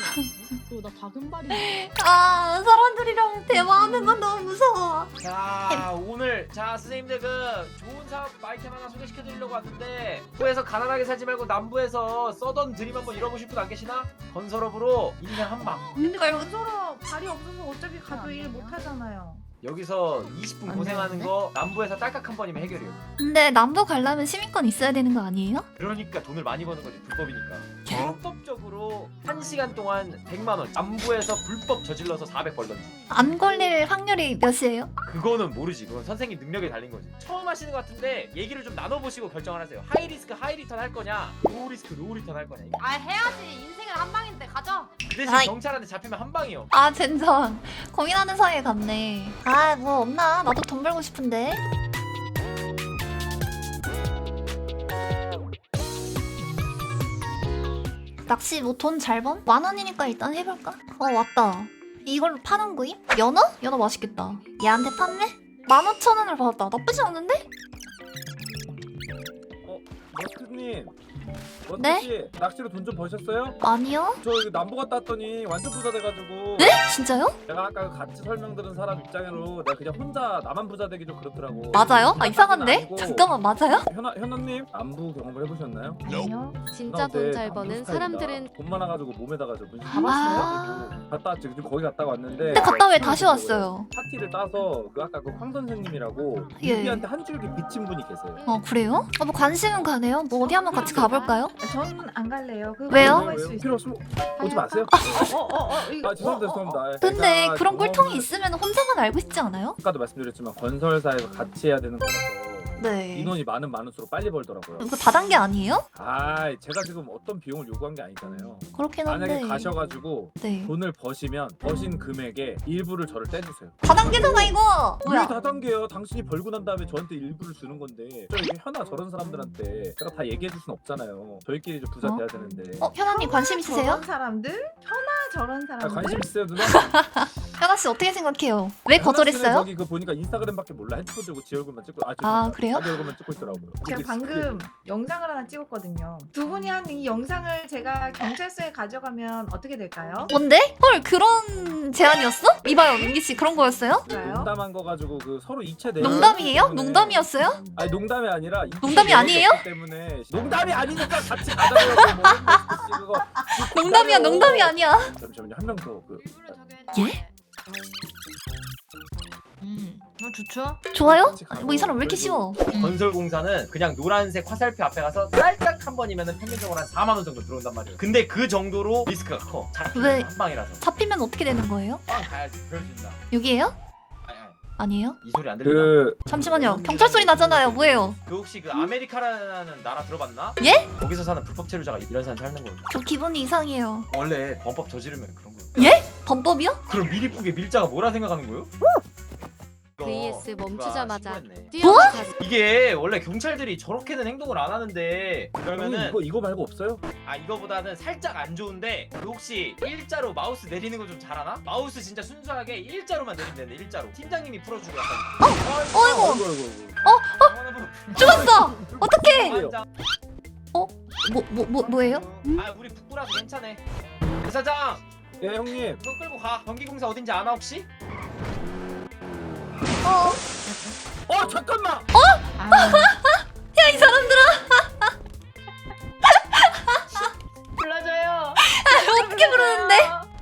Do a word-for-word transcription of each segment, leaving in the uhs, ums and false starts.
나 다금발이야. 아 사람들이랑 대화하는 건 너무 무서워. 자 오늘 자 선생님들 그 좋은 사업 아이템 하나 소개시켜드리려고 왔는데 북부에서 가난하게 살지 말고 남부에서 써던 드림 한번 잃어보실 분 안 계시나? 건설업으로 인생 한방. 근데 건설업 발이 없어서 어차피 가도 일 못하잖아요. 여기서 이십 분 고생하는 거 남부에서 딸깍 한 번이면 해결이에요. 근데 남부 가려면 시민권 있어야 되는 거 아니에요? 그러니까 돈을 많이 버는 거지 불법이니까. 불법적으로 한 시간 동안 백만 원 남부에서 불법 저질러서 사백 벌던지. 안 걸릴 확률이 몇이에요? 그거는 모르지. 그건 선생님 능력에 달린 거지. 처음 하시는 것 같은데 얘기를 좀 나눠보시고 결정을 하세요. 하이 리스크 하이 리턴 할 거냐, 로우 리스크 로우 리턴 할 거냐. 아 해야지. 인생은 한 방인데 가자. 그 대신 아이. 경찰한테 잡히면 한 방이요. 아 젠장 고민하는 사이에 갔네. 아 뭐 없나? 나도 돈 벌고 싶은데. 낚시 뭐 돈 잘 범? 만 원이니까 일단 해볼까? 어 왔다. 이걸로 파는 거임? 연어? 연어 맛있겠다. 얘한테 판매? 만 오천 원을 받았다. 나쁘지 않은데? 머스크님, 네? 머스크씨 낚시로 돈 좀 버셨어요? 아니요? 저 이거 남부 갔다 왔더니 완전 부자 돼가지고. 네? 진짜요? 내가 아까 같이 설명 들은 사람 입장으로 내가 그냥 혼자 나만 부자 되기 좀 그렇더라고. 맞아요? 아 부자까지는 이상한데? 아니고. 잠깐만 맞아요? 현아 현아님 남부 경험을 해보셨나요? 아니요. 진짜 돈 잘 버는 사람들은 돈 많아가지고 몸에다가 저 문신 아. 가지고 갔다 왔지. 지금 거기 갔다 왔는데. 근데 갔다 왜 다시 왔어요? 파티를 따서 그 아까 그 황 선생님이라고 예. 유비한테 한 줄기 비친 분이 계세요. 어 그래요? 어, 뭐 관심은 가네요. 뭐 어디 한번 같이 가볼까요? 저는 안 갈래요. 그거 왜요? 먹을 수 필요 있어요. 없으면 오지 마세요. 어어어 이거. 아 죄송합니다 죄송합니다. 근데 제가 그런 꿀통이 경험을- 있으면 혼자만 알고 싶지 않아요? 아까도 말씀드렸지만 건설사에서 같이 해야 되는 거라서 네. 인원이 많으면 많을수록 빨리 벌더라고요. 이거 다단계 아니에요? 아, 제가 지금 어떤 비용을 요구한 게 아니잖아요. 그렇긴 한데. 만약에 가셔가지고 네. 돈을 버시면 버신 금액의 일부를 저를 떼주세요. 다단계잖아 이거. 왜 뭐야? 다단계요? 당신이 벌고 난 다음에 저한테 일부를 주는 건데 저 이게 현아 저런 사람들한테 제가 다 얘기해 줄 순 없잖아요. 저희끼리 좀 부자 어? 돼야 되는데. 어 현아님 관심 있으세요? 저런 사람들? 현아 저런 아, 사람들? 관심 있어요 누나? 현아 씨 어떻게 생각해요? 왜 현아 씨는 거절했어요? 저기 그 보니까 인스타그램밖에 몰라. 핸드폰 들고 지 얼굴만 찍고 아, 아, 죄송합니다. 그래요? 자기 얼굴만 찍고 있더라고요. 제가 그게 방금 영상을 하나 찍었거든요. 두 분이 한 이 영상을 제가 경찰서에 가져가면 어떻게 될까요? 뭔데? 헐 그런 제안이었어? 이봐요 민기 씨 그런 거였어요? 좋아요. 농담한 거 가지고 그 서로 이체 내용 농담이에요? 때문에- 농담이었어요? 아니 농담이 아니라 이체 농담이 내용이 아니에요? 없기 때문에 농담이 아니니까 같이 가자고 뭐 그거 농담이야 농담이 아니야. 잠시만요 한 명 더 그 예? 음, 뭐 좋죠? 좋아요? 아니, 뭐이 사람 왜 이렇게 쉬워? 건설공사는 그냥 노란색 화살표 앞에 가서 딸깍 한 번이면 평균적으로 한 사만 원 정도 들어온단 말이에요. 근데 그 정도로 리스크가 커. 왜? 잡히면 한 방이라서. 잡히면 어떻게 되는 거예요? 빵 가야지. 그럴 수 있나? 여기에요? 아니, 아니, 아니에요? 이 소리 안 들리나? 그 잠시만요 경찰 소리 나잖아요 뭐예요? 그 혹시 그 아메리카라는 나라 들어봤나? 예? 거기서 사는 불법 체류자가 이런 사람 살는 거예요. 저 기분이 이상해요. 원래 범법 저지르면 그런 거예요. 예? 범법이요? 그럼 미리쁘게 밀자가 뭐라 생각하는 거예요? 브이에스 멈추자마자 신고했네. 뛰어가자. 이게 원래 경찰들이 저렇게는 행동을 안 하는데 형님 그러면은 이거 이거 말고 없어요? 아 이거보다는 살짝 안 좋은데 그 혹시 일자로 마우스 내리는 거 좀 잘하나? 마우스 진짜 순수하게 일자로만 내리면 되는데 일자로 팀장님이 풀어주고 약간 어이구 아이고 아이고 아이고. 죽었어! 어떡해! 완장. 뭐 뭐 뭐 뭐예요? 아 우리 북부라서 괜찮아. 그 사장 예 형님 그거 끌고 가. 전기공사 어딘지 아나 혹시? 어. 어 잠깐만 야 이 사람들아 불러줘요. 어떻게 부르는데?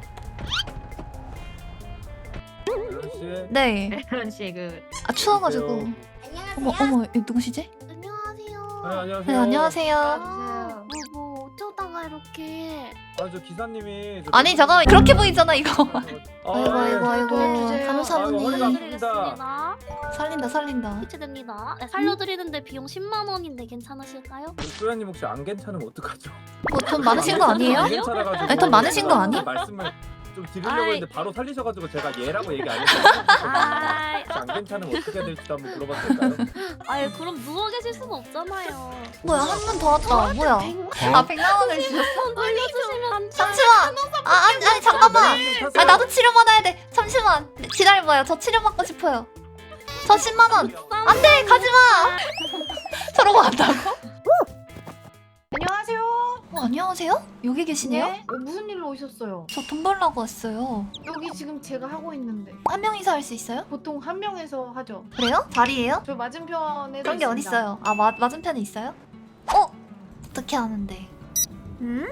씨 네. 그런 식그 아 추워가지고. 어머 어머 이 누구시지? 안녕하세요. 네, 안녕하세요 네 안녕하세요. 아, 뭐, 뭐 어쩌다가 이렇게. 아저 기사님이 저 아니 잠깐 그렇게 보이잖아 이거. 아, 아이고 아이고 아이고 주세요. 간호사분이 아이고, 허리가 드리겠습니다. 살린다 살린다. 해체됩니다. 네, 살려드리는데 비용 십만 원인데 괜찮으실까요? 소연님 혹시 안 괜찮으면 어떡하죠? 뭐 돈 많으신 거 아니에요? 안 괜찮아가지고 아니, 돈 많으신 거 제가 아니? 말씀을 좀 드리려고 아이. 했는데 바로 살리셔가지고 제가 얘라고 얘기 안 했어요. 아, 혹시 안 괜찮으면 어떻게 해야 될지도 한번 물어봐도 될까요? 아유 그럼 누워 계실 수는 없잖아요. 뭐야 한 분 더 왔다. 뭐야? 아 백만 원을 주셨어? 돌려주시면 안 돼. 잠시만. 아 아니 아니 잠깐만. 아 나도 치료 받아야 돼. 잠시만. 기다려봐요. 저 치료 받고 싶어요. 저 십만 원. 안돼 가지 마. 저러고 간다고? 안녕하세요. 어, 안녕하세요? 여기 계시네요? 네? 어, 무슨 일로 오셨어요? 저 돈 벌라고 왔어요. 여기 지금 제가 하고 있는데 한 명이서 할 수 있어요? 보통 한 명에서 하죠. 그래요? 자리예요? 저 맞은편에 그런 게 어딨어요? 아 마, 맞은편에 있어요? 어? 어떻게 아는데? 음?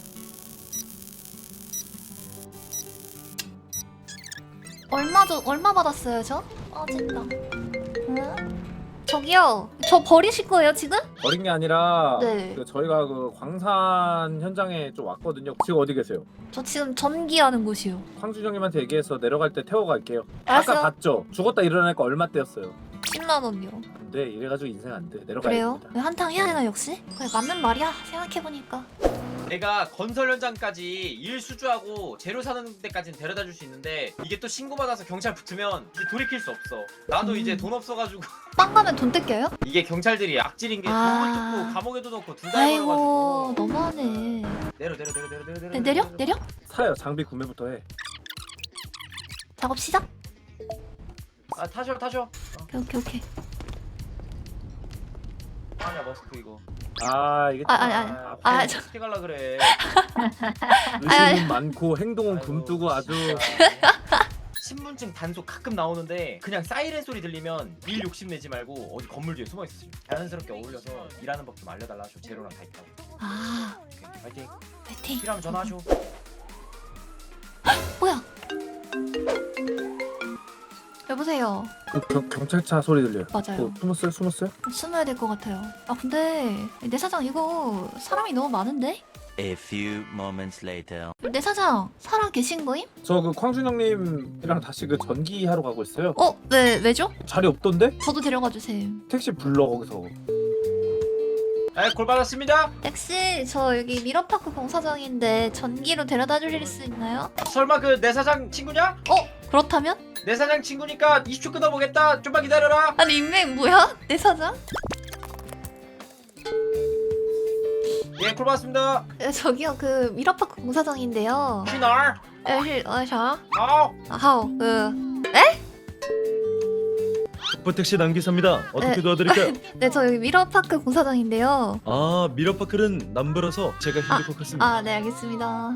얼마 저 얼마 받았어요 저? 빠진다. 응? 저기요, 저 버리실 거예요 지금? 버린 게 아니라 네. 그 저희가 그 광산 현장에 좀 왔거든요. 지금 어디 계세요? 저 지금 전기하는 곳이요. 황수정님한테 얘기해서 내려갈 때 태워갈게요. 알았어요. 아까 봤죠? 죽었다 일어나니까 얼마 떼었어요. 십만 원이요. 근데 이래가지고 인생 안 돼. 내려가야 그래요? 됩니다. 한탕 해야 되나 역시? 그래 맞는 말이야 생각해보니까. 내가 건설 현장까지 일 수주하고 재료 사는 데까지는 데려다 줄 수 있는데 이게 또 신고받아서 경찰 붙으면 이제 돌이킬 수 없어. 나도 음. 이제 돈 없어가지고 빵 가면 돈 뜯겨요? 이게 경찰들이 악질인 게 아. 돈을 뜯고 감옥에도 넣고 둘 다 아이고 해버려가지고 너무하네. 내려 내려 내려 내려 내려 네, 내려? 내려? 사요. 장비 구매부터 해. 작업 시작? 아 타셔 타셔. 오케이 오케이 오케이. 아니야 머스크 이거. 아 이게 아, 아니, 아니. 아, 아, 아 저- 어떻게 갈라 그래. 의심은 많고 행동은 아이고, 굼뜨고 아주 신분증 단속 가끔 나오는데 그냥 사이렌 소리 들리면 일 욕심 내지 말고 어디 건물 뒤에 숨어 있으세요. 자연스럽게 어울려서 일하는 법 좀 알려달라 하셔. 재료랑 다 있다고. 아 오케이, 파이팅. 파이팅. 필요하면 전화하셔. 뭐야? 여보세요. 그 경, 경찰차 소리 들려요. 맞아요. 어, 숨었어요? 숨었어요? 숨어야 될 것 같아요. 아 근데 내 사장 이거 사람이 너무 많은데? A few moments later. 내 사장 살아 계신 거임? 저 그 광준형님이랑 다시 그 전기 하러 가고 있어요. 어? 왜 왜죠? 자리 없던데? 저도 데려가 주세요. 택시 불러 거기서. 네, 골 받았습니다. 택시 저 여기 미러파크 공사장인데 전기로 데려다 주실 수 있나요? 설마 그 내 사장 친구냐? 어? 그렇다면? 내 사장 친구니까 이십 초 끊어보겠다. 좀만 기다려라. 아니 인맥 뭐야? 내 사장? 예, 골 받았습니다. 에, 저기요 그 미러파크 공사장인데요. 휘날. 에힐 어샤 아우. 아하오 그 북부택시 남기사입니다. 어떻게 네. 도와드릴까요? 네, 저 여기 미러파크 공사장인데요. 아, 미러파크는 남부라서 제가 힘들 것 같습니다. 아, 네, 알겠습니다.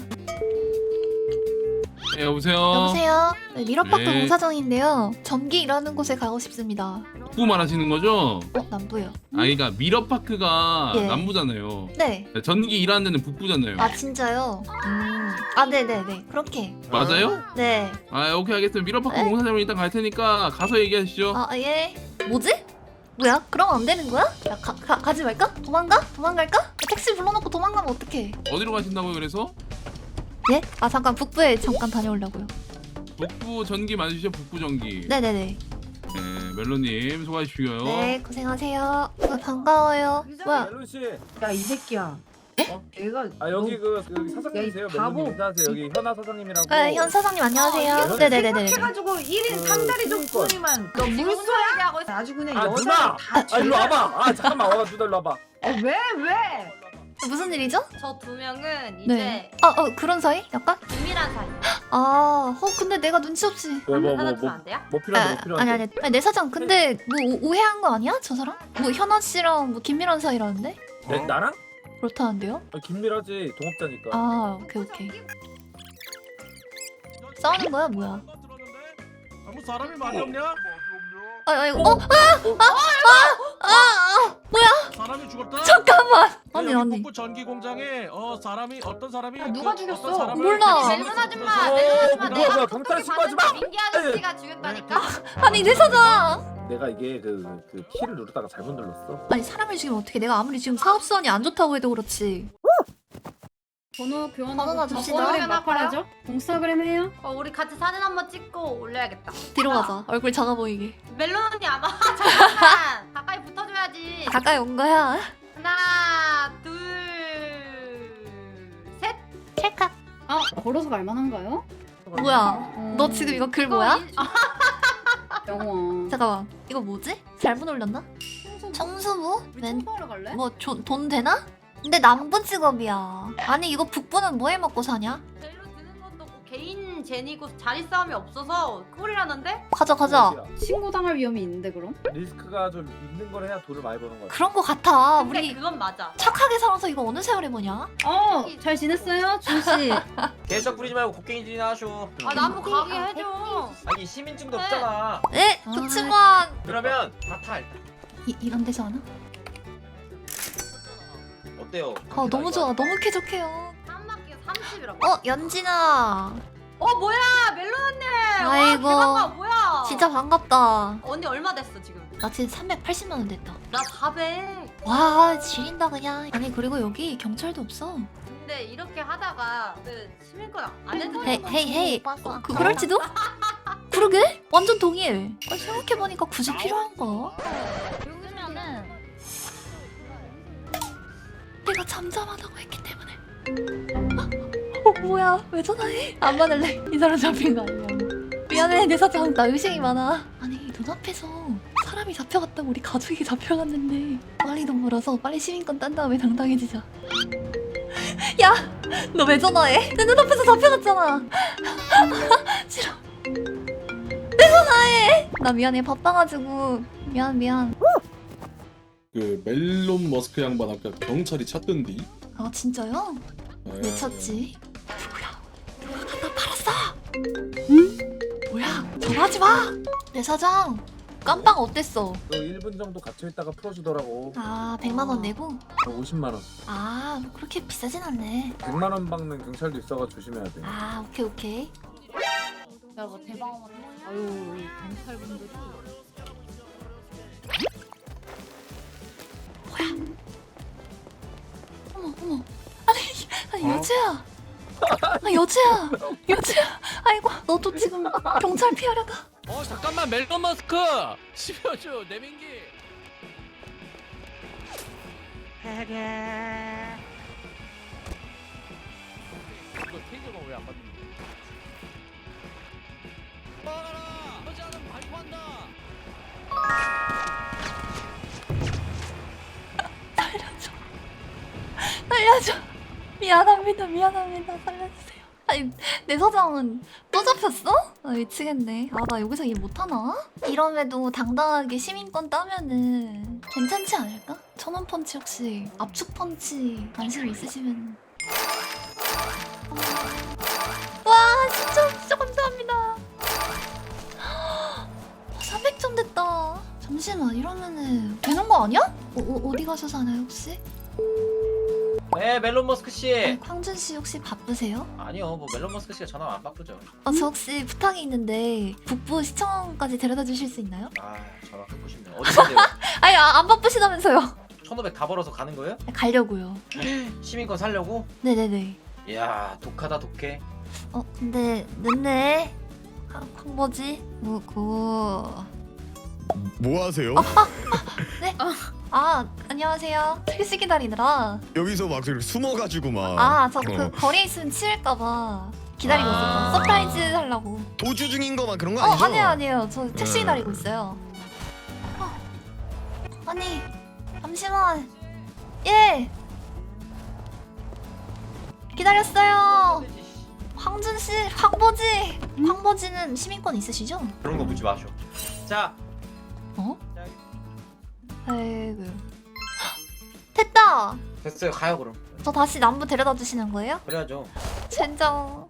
네, 여보세요. 여보세요? 네, 미러파크 네. 공사장인데요. 전기 일하는 곳에 가고 싶습니다. 북부 말하시는 거죠? 어, 남부요. 아, 그러니까 미러파크가 예. 남부잖아요. 네. 전기 일하는 데는 북부잖아요. 아, 진짜요? 음. 아, 네네네. 그렇게. 맞아요? 네. 아, 오케이 알겠습니다. 미러파크 네. 공사장으로 일단 갈 테니까 가서 얘기하시죠. 아, 예. 뭐지? 뭐야? 그럼 안 되는 거야? 야, 가, 가, 가지 말까? 도망가? 도망갈까? 택시 불러놓고 도망가면 어떡해? 어디로 가신다고요? 그래서 예? 아, 잠깐 북부에 잠깐 다녀오려고요. 북부 전기 맞으시죠? 북부 전기. 네네네. 네, 멜로님 소개하시고요. 네, 고생하세요. 어, 반가워요. 뭐야? 멜론 씨. 야 이 새끼야. 어? 얘가 아 여기 너- 그 여기 사장님이세요? 야, 이 바보. 멜론님 인사하세요. 여기 현아 사장님이라고. 네, 현 사장님 안녕하세요. 어, 네네네네. 해가지고 일 인 그 삼 다리 신입권. 족분이만 너 물소야 하고 아주 그냥 아 여자를 누나. 다 아 일로 와봐. 아 잠깐만 와봐 누나 일로 와봐. 어, 왜 왜? 무슨 일이죠? 저 두 명은 네. 아, 어, 그런 사이? 약간? 비밀한 사이. 아, 어, 근데 내가 눈치 없이. 왜뭐뭐 하나 뭐 주면 뭐 안 돼요? 뭐 아, 필요한데 뭐 필요한데. 아니, 아니, 아니, 내 사장, 근데 뭐 오- 오해한 거 아니야? 저 사람? 뭐 현아 씨랑 뭐 김미란 사이라는데? 내, 나랑? 그렇다는데요? 아, 김밀하지 동업자니까. 아, 오케이, 오케이. 싸우는 거야, 뭐야? 아무 사람이 많이 없냐? 아, 아니, 어? 아! 아! 아! 아! 뭐야? 사람이 죽었다? 잠깐만! 아니, 아니. 북부 전기 공장에 어 사람이 어떤 사람이 아, 누가 그 죽였어? 어떤 사람을 몰라. 그 멜론 아줌마, 그래서- 멜론 어, 아줌마 뭐야, 내가 뭐야, 경찰 신고하지 마! 민기 아저씨가 죽였다니까. 아니, 내 사장! 내가 이게 그, 그 키를 누르다가 잘못 눌렀어. 아니, 사람을 지금 어떻게, 내가 아무리 지금 사업수완이 안 좋다고 해도 그렇지. 번호 교환하고 번호나 줍시다. 공스타그램 마팔하죠? 공스타그램 해요? 어, 우리 같이 사진 한번 찍고 올려야겠다. 뒤로 가자. 얼굴 작아 보이게. 멜론 언니 아마 잠깐만 가까이 붙어줘야지. 가까이 온 거야. 하나, 둘, 셋. 찰칵. 아 걸어서 갈만한가요? 뭐야? 너 지금 이거 글 뭐야? 인- 아, 영화. 잠깐만. 이거 뭐지? 잘못 올렸나? 청소부? 우리 멘, 청소하러 갈래? 뭐, 조, 돈 되나? 근데 남부 직업이야. 아니, 이거 북부는 뭐 해 먹고 사냐? 재료 드는 것도 뭐 개인 제니고 자리 싸움이 없어서 꿀이라는데? 가자 가자. 신고 당할 위험이 있는데 그럼? 리스크가 좀 있는 걸 해야 돈을 많이 버는 거야. 그런 거 같아. 근데 우리 그건 맞아. 착하게 살아서 이거 어느 세월에 뭐냐? 어, 잘 지냈어요, 준 씨? 개썩 부리지 말고 곡괭이질이나 하쇼. 아 나무 가게 해줘. 아니 시민증도 네. 없잖아. 네, 아. 그치만 그러면 다 타 일단. 이, 이런 데서 하나? 어때요? 아 너무 좋아. 너무 쾌적해요. 한 바퀴 삼십이라고. 어 연진아. 어 뭐야 멜론 언니. 아이고. 와, 대박아 뭐야. 진짜 반갑다. 언니 얼마 됐어 지금? 나 지금 삼백팔십만 원 됐다. 나 사백. 와 지린다 그냥. 아니 그리고 여기 경찰도 없어. 근데 이렇게 하다가 그 시민권 안 해도 헤이 헤이 헤이. 어, 그 그럴지도? 그러게? 완전 동의해. 아, 생각해보니까 굳이 필요한가? 여기면은 내가 잠잠하다고 했기 때문에. 어 뭐야? 왜 전화해? 안 받을래. 이 사람 잡힌 거 아니야? 미안해 내 사장. 나 의심이 많아. 아니 눈앞에서 사람이 잡혀갔다고 우리 가족이 잡혀갔는데 빨리 돈 벌어서 빨리 시민권 딴 다음에 당당해지자. 야! 너 왜 전화해? 내 눈앞에서 잡혀갔잖아. 싫어. 왜 전화해? 나 미안해 바빠가지고. 미안 미안. 그 멜론 머스크 양반 아까 경찰이 찾던디. 아 진짜요? 네. 왜 찾지? 누구야? 누가 갖다 팔았어? 응? 뭐야? 전화하지 마! 내 사장 깜빵 어땠어? 그 일 분 정도 갇혀 있다가 풀어주더라고. 아 백만 원 내고? 오십만 원. 아 그렇게 비싸진 않네. 백만 원 박는 경찰도 있어가 조심해야 돼. 아 오케이 오케이. 야뭐 대박. 아유, 이 경찰분들이. 어머 어머. 아니 아니 여주야. 아 여주야. 여주야. 아이고 너도 지금 경찰 피하려다. 어 잠깐만 멜론 머스크. 십여주 내민기. 이거 테이저가 왜 안 받는 거야? 막아라! 여자는 발포한다. 살려줘. 살려줘. 미안합니다. 미안합니다. 살려주세요. 아니 내 사장은 또 잡혔어? 아 미치겠네. 아 나 여기서 일 못하나? 이럼에도 당당하게 시민권 따면은 괜찮지 않을까? 천원 펀치 혹시 압축 펀치 관심 있으시면. 와 진짜 진짜 감사합니다. 삼백 점 됐다. 잠시만 이러면은 되는 거 아니야? 어, 어, 어디 가서 사나요 혹시? 네 멜론 머스크 아니, 씨. 광준 씨 혹시 바쁘세요? 아니요 뭐 멜론 머스크 씨가 전화 안 바꾸죠. 어, 저 혹시 부탁이 있는데 북부 시청까지 데려다 주실 수 있나요? 아 전화 갖고 싶네요. 어디인데요? 아니 아, 안 바쁘시다면서요? 천오백 다 벌어서 가는 거예요? 가려고요. 시민권 살려고? 네네네. 이야 독하다 독해. 어 근데 늦네. 아, 광버지? 뭐고? 뭐 하세요? 네? 아 안녕하세요. 택시 기다리느라. 여기서 막 이렇게 숨어가지고 막 아 저 그 어. 거리에 있으면 치일까봐 기다리고 아. 있었어. 서프라이즈 하려고. 도주 중인 거만 그런 거 어 아니죠? 아니에요 아니에요. 저 택시 네. 기다리고 있어요. 어. 아니 잠시만. 예. 기다렸어요. 황준 씨, 황보지. 황보지는 시민권 있으시죠? 그런 거 묻지 마쇼. 자. 어? 자, 아이고. 됐다. 됐어요 가요 그럼. 저 다시 남부 데려다 주시는 거예요? 그래야죠. 젠장.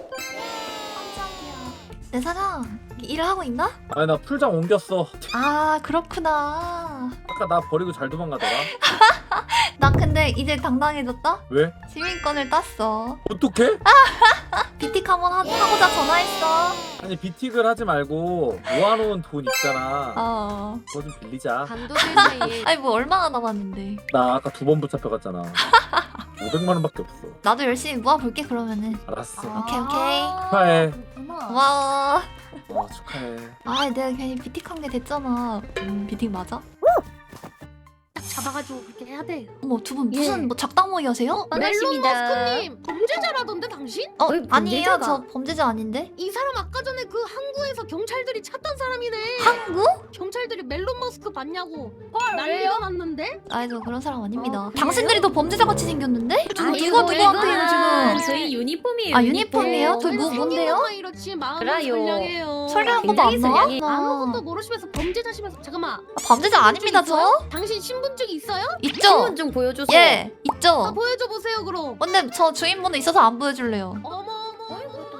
깜짝이야. 내 사장 일을 하고 있나? 아니 나 풀장 옮겼어. 아 그렇구나. 아까 나 버리고 잘 도망가더라. 난 근데 이제 당당해졌다. 왜? 시민권을 땄어. 어떡해? 비틱 한번 하, 하고자 전화했어. 아니 비틱을 하지 말고 모아놓은 돈 있잖아. 어. 그거 좀 빌리자. 단독일 사이에 아니 뭐 얼마나 남았는데. 나 아까 두 번 붙잡혀갔잖아. 오백만 원밖에 없어. 나도 열심히 모아볼게 그러면은. 알았어. 오케이 오케이. 축하해. 고마워. 어 축하해. 아 내가 괜히 비틱한 게 됐잖아. 음 비틱 맞아? 잡아가지고 그렇게 해야 돼. 어머 두 분 무슨 예. 뭐 작당 모의 하세요? 멜론 머스크님 범죄자라던데 당신? 어 어이, 아니에요. 범죄자가. 저 범죄자 아닌데. 이 사람 아까 전에 그 항구에서 경찰들이 찾던 사람이네. 항구? 경찰들이 멜론 머스크 봤냐고 헐, 난리가 났는데? 아니 저 그런 사람 아닙니다. 어, 그래요? 당신들이 더 범죄자 같이 생겼는데? 저 아이고, 누가 누구한테요 지금? 저희 유니폼이에요. 아 유니폼이에요? 저 뭐 뭔데요? 생긴 이렇지 마음은 그래요. 선량해요. 선량한 것도 굉장히 안 나와? 선량해. 아무것도 모르시면서 범죄자시면서 잠깐만 아, 범죄자 아닙니다 저? 당신 신분증 있어요? 있죠? 신분 좀 보여줘서. 예 아, 있죠. 보여줘 보세요 그럼. 근데 저 주인번호 있어서 안 보여줄래요. 어머 어머.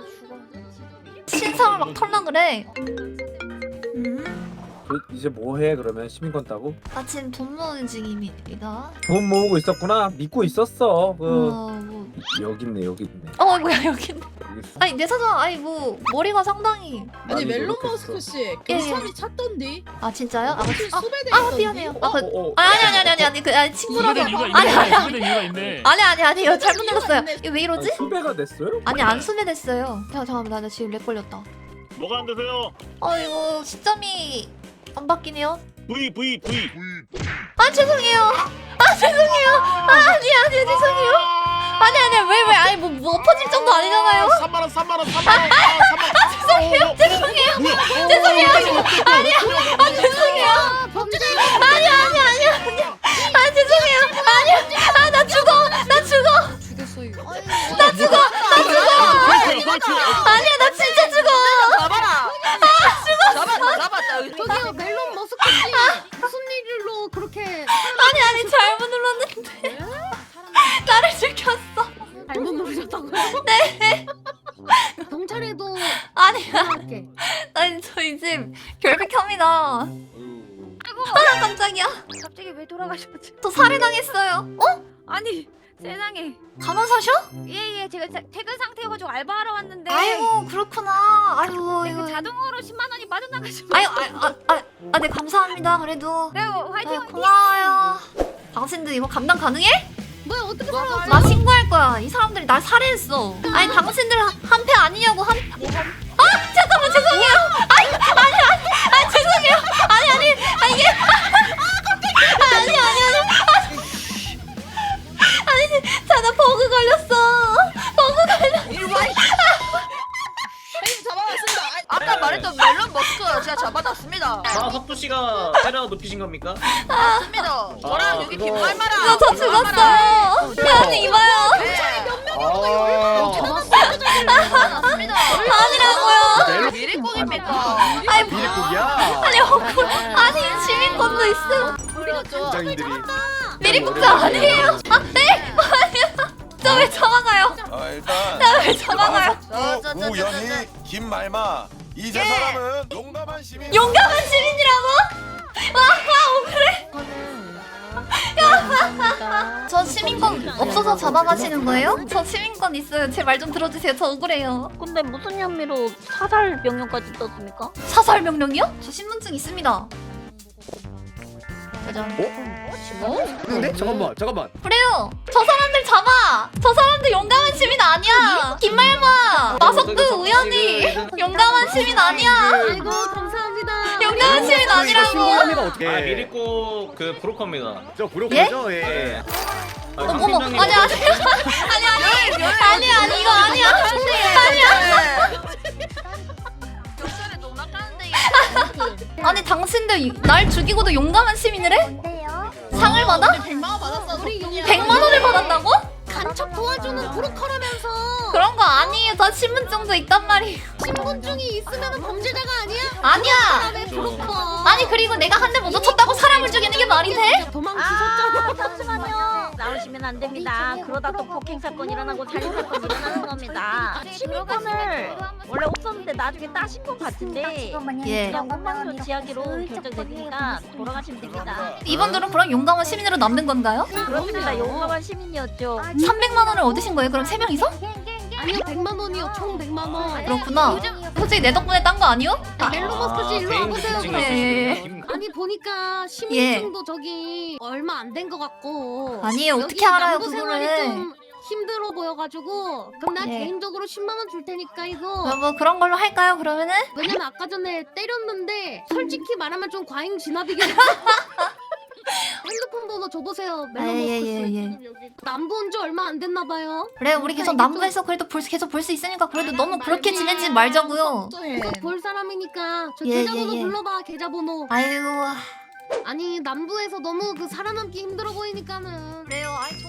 신상을 막 털라 그래. 음. 그, 이제 뭐해 그러면 시민권 따고? 나 지금 돈 모으는 중입니다. 돈 모으고 있었구나. 믿고 있었어. 그 어, 뭐. 여기 있네 여기 있네. 어 뭐야 여기. 여기 있어. 아니 내 사장 아니 뭐 머리가 상당히. 아니 멜론 머스크 씨 경찰이 찾던데. 아 진짜요? 아, 아, 수배돼. 아 미안해요. 아, 그, 어, 어. 아 아니 아니 아니 아니 아니 그 아니 친구라서. 아니 아니 아니 이유가 있네. 아니 아니 아니요 잘못 눌렀어요. 이거 왜 이러지? 아니, 수배가 됐어요? 아니 안 수배됐어요. 야 잠깐만 나 지금 렉 걸렸다. 뭐가 안 되세요? 어 이거 시점이 안 바뀌네요. V V V. 아 죄송해요. 아 죄송해요. 아 아니 아니 죄송해요. 아니 아니 왜 왜 아니 뭐, 뭐 엎어질 정도 아니잖아요. 삼만 원, 삼만 원, 삼만 원. 아, 죄송해요 죄송해요 죄송해요. 아니야 아 죄송해요. 아니 아니 아니 아니 아 죄송해요. 아니야 아 나 죽어 나 죽어 죽였어요. 나 죽어 나 죽어. 아니야 나 진짜 죽어. 잡아라. 잡았다 잡았다. 저기요 멜론 머스크씨 무슨 일로 그렇게 아니 아니 잘못 눌렀는데 나를 죽였어. 잘못 누르셨다고요? 네. 경찰에도 아니야 전화할게. 아니 저 이제 결백합니다. 아 깜짝이야. 갑자기 왜 돌아가셨지? 저 살해당했어요. 어? 아니 세상에. 가만 사셔? 예예 제가 자- 퇴근 상태여가지고 알바하러 왔는데. 아이고 그렇구나. 아이고 네, 그 이거. 자동으로 십만 원이 빠져나가지고. 아유 아아아네 감사합니다. 그래도. 네 화이팅 아유, 화이팅. 고마워요. 당신들 이거 감당 가능해? 뭐야 어떻게 살아왔어? 나 신고할 거야. 이 사람들이 날 살해했어. 아니 당신들 한패 아니냐고 한. 아 잠깐만 죄송해요. 아니 아니 아니 아 죄송해요. 아니 아니 아 이게 아니 아니 아니 아니 자나 버그 걸렸어. 버그 걸렸어. 아까 말했던 멜론 머스크 제가 잡아놨습니다. 아 석두 씨가 때려 눕히신 겁니까? 맞습니다. 저랑 아, 여기 그거- 김말마랑. 저 죽었어요. 아니 이봐요. 맞습니다. 아니라고요. 미리국입니다. 아니 미리국이야. 아니 억울. 아니 시민권도 있어. 장인들이. 미리국자 아니에요. 아 네? 아니야. 저 왜 잡아가요? 아 일단 나 왜 잡아가요? 우연히 김말마 이 세 사람은 용감한 시민. 용감한 시민이라고? 와, 와 억울해. 저 시민권 없어서 잡아가시는 거예요? 저 시민권 있어요. 제 말 좀 들어주세요. 저 억울해요. 근데 무슨 혐의로 사살 명령까지 떴습니까? 사살 명령이요? 저 신분증 있습니다. 짜잔. 근데 잠깐만 잠깐만. 그래요. 저 사람들 잡아. 저 사람들 용감한 시민 아니야. 김말마, 마석두, 우연히 용감한 시민 아니야. 아이고 감사합니다. 용감한 시민 아니라고. 어떻게? 아 미리코 그 브로커입니다. 저 브로커죠? 예. 아, 어머, 상팀장님 아니 아니 아니 아니 아니 아니 이거 아니야. 아니야. 욕설에 너무 낚았는데. 아니 당신들 날 죽이고도 용감한 시민이래? 상을 받아? 백만 원 받았어. 우리 용 백만 원을 받았다고? 간첩 도와주는 브로커라면서 그런 거 아니에요. 저 신분증도 있단 말이에요. 신분증이 있으면 범죄자가 아니야? 아니야. 왜 브로커? 아니 그리고 내가 한 대 먼저 쳤다고 사람을 죽이는 게 말이 돼? 도망치셨잖아. 잠시만요. 나오시면 안 됩니다. 그러다 또 폭행 사건 일어나고 살인 사건 일어나는 겁니다. 시민권을 원래 없었는데 나중에 따신 것 같은데 예. 그냥 공방조 지하기로 결정되니까 돌아가시면 됩니다. 이분들은 그럼 용감한 시민으로 남는 건가요? 그렇습니다. 용감한 시민이었죠. 삼백만 원을 얻으신 거예요? 그럼 세 명이서? 아니요 백만 원이요. 총 백만 원. 그렇구나. 솔직히 내 덕분에 딴 거 아니요? 아, 멜론 머스크 씨 일로 개인 와보세요. 특징이 예, 예, 있으시군요. 아니 보니까 시민증도 저기 얼마 안 된 것 같고 아니에요. 여기 어떻게 알아요 남부 생활이 그거를? 좀 힘들어 보여가지고 그럼 나 예. 개인적으로 십만 원 줄 테니까 이거 뭐, 뭐 그런 걸로 할까요 그러면은? 왜냐면 아까 전에 때렸는데 솔직히 말하면 좀 과잉 진압이긴 해. 핸드폰 번호 줘보세요. 아, 예, 예, 멜로머스크 예. 지금 여기 남부 온 지 얼마 안 됐나 봐요. 그래 우리 계속 그러니까 남부에서 그래도 볼, 계속 볼 수 있으니까 그래도 너무 그렇게 말고. 지내지 말자고요. 계속 볼 사람이니까 저 예, 계좌번호 예, 예. 불러봐. 계좌번호. 아이고 아니 남부에서 너무 그 살아남기 힘들어 보이니까는. 그래요. 아이